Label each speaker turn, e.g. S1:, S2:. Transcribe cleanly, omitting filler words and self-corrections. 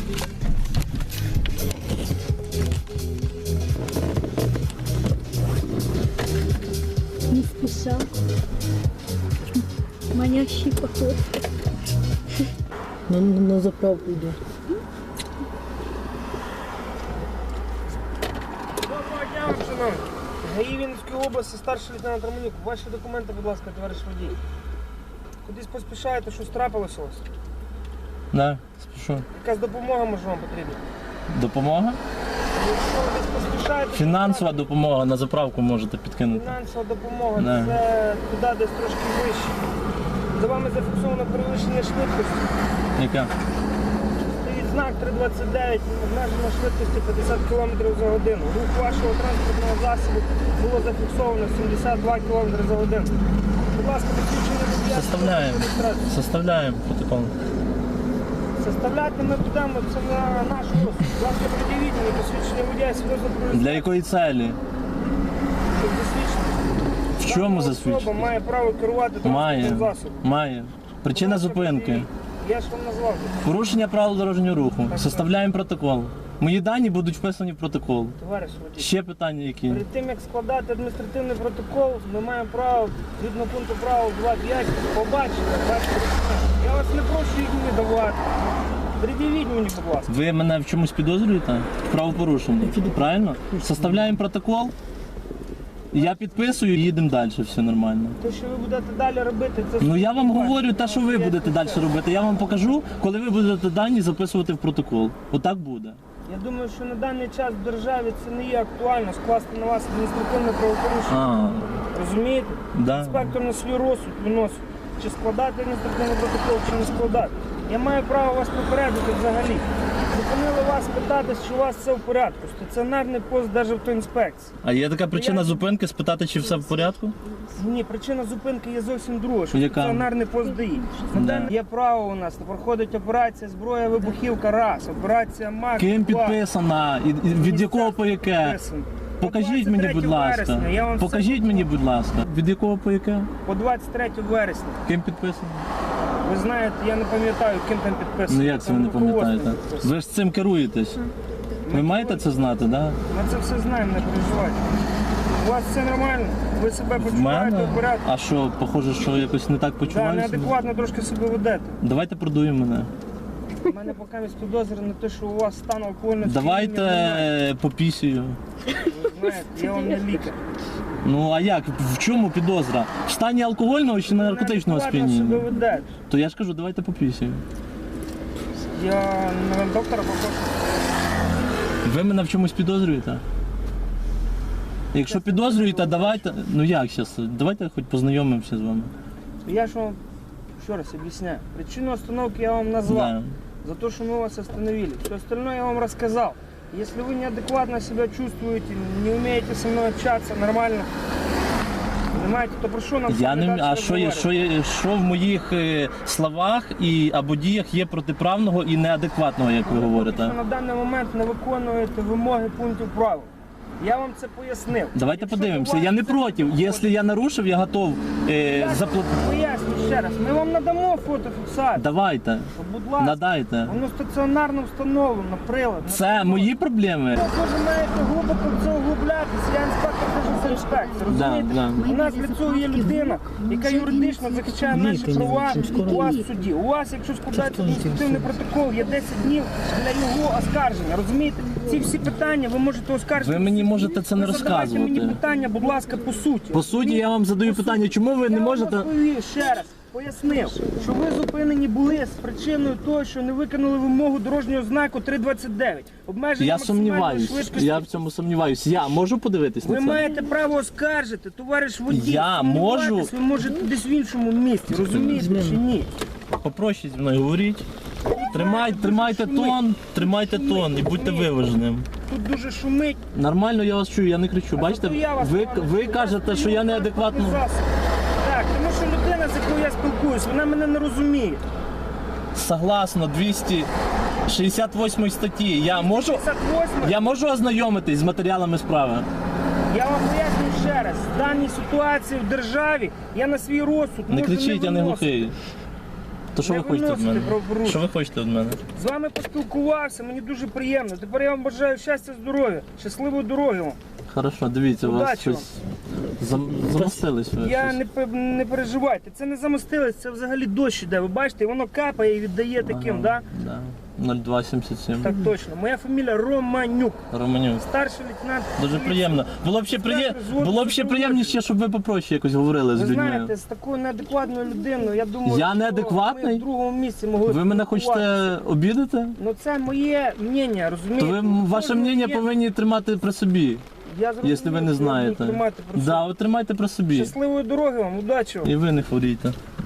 S1: Не спеша. Манящий поход.
S2: На заправку йду.
S3: Доброго дня вам, шановні. ГАІ Вінницької області, старший лейтенант Романюк. Ваші документи, будь ласка, товариш водій. Кудись поспішаєте, щось трапилося у вас?
S2: Да, спішу.
S3: Якась допомога може вам потрібна?
S2: Допомога?
S3: Якщо ви десь поспішаєте...
S2: Фінансова допомога на заправку можете підкинути.
S3: Фінансова допомога,
S2: Да.
S3: це туди десь трошки вище. За вами зафіксовано перевищення швидкості.
S2: Яка?
S3: Стоїть знак 329, обмежена швидкості 50 км за годину. Рух вашого транспортного засобу було зафіксовано 72 км за годину. Будь ласка, посвідчення водія.
S2: Составляємо. Составляємо протокол.
S3: Составляти ми будемо, це на наш розсуд. Будь ласка, пред'явіть мені посвідчення водія свідоцтво про
S2: Для якої целі?
S3: щоб засвідчити.
S2: В чому
S3: Дана
S2: засвідчити?
S3: особа має право керувати
S2: Має.
S3: транспортним засобом.
S2: Має. Причина
S3: Будь ласка,
S2: зупинки.
S3: пред'явіть. Я ж вам назвав.
S2: Порушення правил дорожнього руху.
S3: Так.
S2: Составляємо протокол. Мої дані будуть вписані в протокол.
S3: Товариш водій.
S2: Ще питання які?
S3: Перед тим, як складати адміністративний протокол, ми маємо право, згідно пункту правил 2.5, побачити ваші документи. Я вас не прошу їх мені давати. Пред'явіть мені, будь ласка.
S2: Ви мене в чомусь підозрюєте? В правопорушенні. Правильно? Составляємо протокол. Я підписую і їдемо далі, все нормально.
S3: Те, що ви будете далі робити, це...
S2: Ну я вам
S3: ваше.
S2: говорю те, що ви будете далі робити. Я вам покажу, коли ви будете дані записувати в протокол. Отак буде.
S3: Я думаю, що на даний час в державі це не є актуально скласти на вас адміністративне правопорушення. Розумієте?
S2: Да.
S3: Інспектор на свій розсуд виносить, чи складати адміністративний протокол, чи не складати. Я маю право вас попередити взагалі. Зупинили вас питати, чи у вас все в порядку. Стаціонарний пост Державтоінспекції.
S2: А є така причина зупинки спитати, чи все в порядку?
S3: Ні, причина зупинки є зовсім друга, що
S2: Яка?
S3: стаціонарний пост ДАІ. Є право у нас, проходить операція зброя, вибухівка, раз, операція МАК,
S2: Ким
S3: два.
S2: підписана? І від якого по яке?
S3: Підписано.
S2: Покажіть
S3: По
S2: мені,
S3: 23
S2: будь ласка.
S3: вересня, я вам
S2: Покажіть
S3: все
S2: мені, будь ласка. Від якого по яке?
S3: По 23 вересня.
S2: Ким підписано?
S3: Ви знаєте, я не пам'ятаю, ким там підписано.
S2: Ну як це ви
S3: Там
S2: не пам'ятаєте?
S3: руководством підписано.
S2: Ви ж цим керуєтесь. Ви маєте це знати, так? Да?
S3: Ми це все знаємо, не переживайте. У вас все нормально? Ви себе
S2: В
S3: почуваєте
S2: мене?
S3: в порядку?
S2: А що, похоже, що якось не так
S3: Да,
S2: почуваюся?
S3: неадекватно трошки себе ведете.
S2: Давайте продуємо мене.
S3: У мене поки є підозри на те, що у вас стан алкогольного сп'яніння немає.
S2: Давайте попісію.
S3: Ви знаєте, я вам не лікар.
S2: Ну а як? В чому підозра? В стані алкогольного чи наркотичного
S3: Неадекватно себе
S2: сп'яніння?
S3: ведете.
S2: То я ж кажу, давайте попісію.
S3: Я на доктора попрошу.
S2: Ви мене в чомусь підозрюєте? Якщо підозрюєте, давайте. Ну як зараз? Давайте хоч познайомимося з вами.
S3: Я ж вам ще раз объясняю. Причину остановки я вам назвал.
S2: Да.
S3: За то, что мы вас остановили. Все остальное я вам рассказал. Если вы неадекватно себя чувствуете, не умеете со мной общаться нормально, понимаете, то прошу нам
S2: Я не
S3: дальше
S2: а що в моїх словах і або діях є протиправного і неадекватного, як ви говорите?
S3: Що на даний момент не виконуєте вимоги пунктів правил. Я вам це пояснив.
S2: Давайте
S3: Якщо
S2: подивимося.
S3: у вас
S2: Я не
S3: це
S2: проти.
S3: виходить,
S2: Якщо я нарушив, я готов заплатити.
S3: Поясню ще раз. Ми вам надамо фотофіксацію.
S2: Давайте,
S3: Будь ласка.
S2: надайте.
S3: Воно стаціонарно встановлено, прилад.
S2: Це мої проблеми.
S3: Ви вже маєте глибоко в це углублятися. Я інспектор Державтоінспекції, розумієте?
S2: Да.
S3: У нас для цього є людина, яка юридично захищає наші права у вас в суді. У вас, якщо складається адміністративний протокол, є 10 днів для його оскарження, розумієте? Ці всі питання ви можете оскаржити.
S2: Ви мені можете це не
S3: Ви задавайте мені
S2: розказувати.
S3: питання, будь ласка, по суті.
S2: По суті, я вам задаю питання, чому ви не
S3: Я
S2: можете.
S3: вам розповів ще раз. Пояснив, що ви зупинені були з причиною того, що не виконали вимогу дорожнього знаку 329. Обмеження
S2: Я
S3: максимальної
S2: сумніваюсь.
S3: швидкості.
S2: Я в цьому сумніваюсь. Я можу подивитись
S3: Ви
S2: на це?
S3: маєте право оскаржити, товариш водій.
S2: Я
S3: Сумніватись
S2: можу.
S3: Ви можете десь в іншому місці, розумієте чи ні?
S2: Попроще зі мною говоріть. Тримайте тон і будьте виваженим.
S3: Тут дуже шумить.
S2: Нормально я вас чую, я не кричу. Бачите,
S3: Зато я вас
S2: ви
S3: погано
S2: кажете,
S3: чую.
S2: що я неадекватно.
S3: Так, тому що людина, з якою я спілкуюсь, вона мене не розуміє.
S2: Согласно 268 статті, я можу ознайомитись з матеріалами справи.
S3: Я вам поясню ще раз, в даній ситуації в державі я на свій розсуд
S2: Не
S3: можу
S2: кричіть, я не
S3: виносити.
S2: глухий. То що
S3: Не
S2: ви хочете від
S3: виносите
S2: мене?
S3: правопорушення.
S2: Що ви хочете від мене?
S3: З вами поспілкувався, мені дуже приємно. Тепер я вам бажаю щастя, здоров'я, щасливої дороги вам.
S2: Хорошо, дивіться, у вас
S3: Удачі вам.
S2: щось замостились ви.
S3: Я
S2: щось.
S3: не переживайте, це не замостилось, це взагалі дощ іде. Ви бачите, воно капає і віддає таким,
S2: Ага,
S3: да?
S2: да? 0277.
S3: Так точно. Моя фамілія Романюк.
S2: Романюк.
S3: Старший лейтенант.
S2: Дуже
S3: поліції.
S2: приємно. Було б ще приємніше, щоб ви попроще якось говорили з
S3: Ви
S2: людьми.
S3: знаєте, з такою неадекватною людиною, я думаю,
S2: Я
S3: що
S2: неадекватний?
S3: ми в другому місці могли
S2: Ви мене
S3: спілкуватися.
S2: хочете обідати?
S3: Ну це моє мнення, розумієте?
S2: То ви
S3: Ну,
S2: ваше
S3: кожного
S2: мнення
S3: є-
S2: повинні тримати при собі,
S3: Я зрозумів,
S2: якщо ви не
S3: що я буду
S2: знаєте.
S3: тримати про
S2: Да, от тримайте при собі.
S3: Щасливої дороги вам, удачі вам.
S2: І ви не хворійте.